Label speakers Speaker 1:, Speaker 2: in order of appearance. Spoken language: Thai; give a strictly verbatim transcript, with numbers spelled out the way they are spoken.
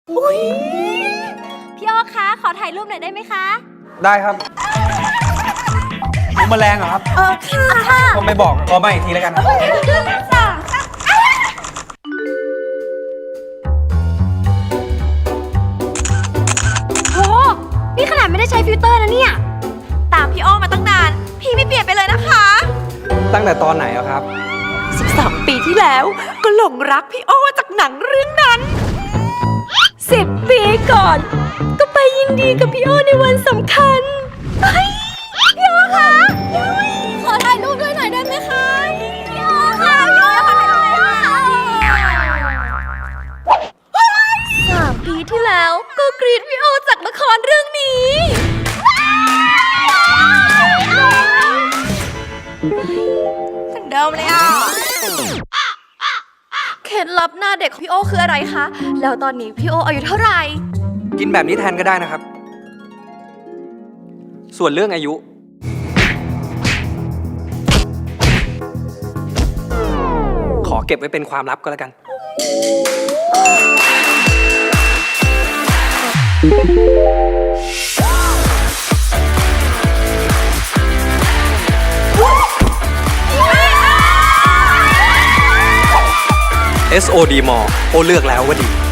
Speaker 1: อุ้ยพี่อ้อคะขอถ่ายรูปหน่อยได้ไหมคะ
Speaker 2: ได้ครับมุมแมลงเหรอครับ
Speaker 1: เออค่ะ
Speaker 2: ผมไม่บอกขอมาอีกทีแล้วกัน
Speaker 1: โหนี่ขนาดไม่ได้ใช้ฟิลเตอร์นะเนี่ยตามพี่อ้อมาตั้งนานพี่ไม่เปลี่ยนไปเลยนะคะ
Speaker 2: ตั้งแต่ตอนไหนอะครับ
Speaker 1: สิบสามปีที่แล้วก็หลงรักพี่อ้อจากหนังเรื่องนั้นสิบปีก่อนก็ไปยินดีกับพี่อ้อในวันสำคัญเฮ้ยพี่อ้อคะขอถ่ายรูปด้วยหน่อยได้ไหมคะพี่อ้อค่ะพี่อ้อขอถ่ายรูปหน่อยค่ะสามปีที่แล้วก็กรีดพี่อ้อจากละครเรื่องนี้เหมือนเดิมเลยอ่ะเคล็ดลับหน้าเด็กของพี่โอคืออะไรคะแล้วตอนนี้พี่โออายุเท่าไหร่
Speaker 2: กินแบบนี้แทนก็ได้นะครับส่วนเรื่องอายุขอเก็บไว้เป็นความลับก็แล้วกันเอส โอ ดี Mall โอเลือกแล้วว่าดี